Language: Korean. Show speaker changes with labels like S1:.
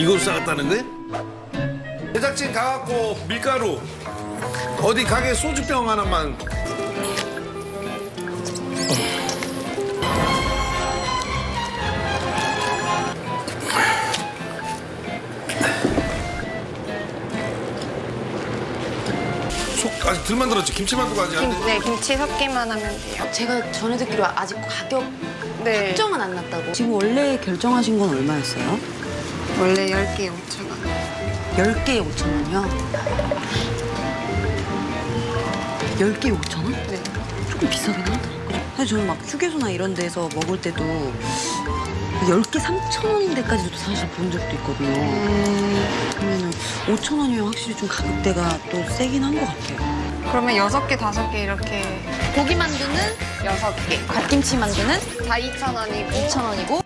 S1: 이걸 싸갔다는 거야? 제작진 가갖고 밀가루 어디 가게 소주병 하나만. 속 아직 덜 만들었지? 김치만두가 아직 안 돼?
S2: 네, 김치 섞기만 하면 돼요.
S3: 제가 전에 듣기로 아직 가격
S2: 네.
S3: 확정은 안 났다고.
S4: 지금 원래 결정하신 건 얼마였어요?
S2: 원래 10개에 5,000원.
S4: 10개에 5,000원이요? 10개에 5,000원?
S2: 네.
S4: 조금 비싸긴 하다. 그죠? 사실 저는 막 휴게소나 이런 데서 먹을 때도 10개 3,000원인 데까지도 사실 본 적도 있거든요. 그러면은 5,000원이면 확실히 좀 가격대가 또 세긴 한 것 같아요.
S2: 그러면 6개, 5개 이렇게
S3: 고기 만두는
S2: 6개.
S3: 갓김치 만두는
S2: 다 2,000원이고
S3: 2,000원이고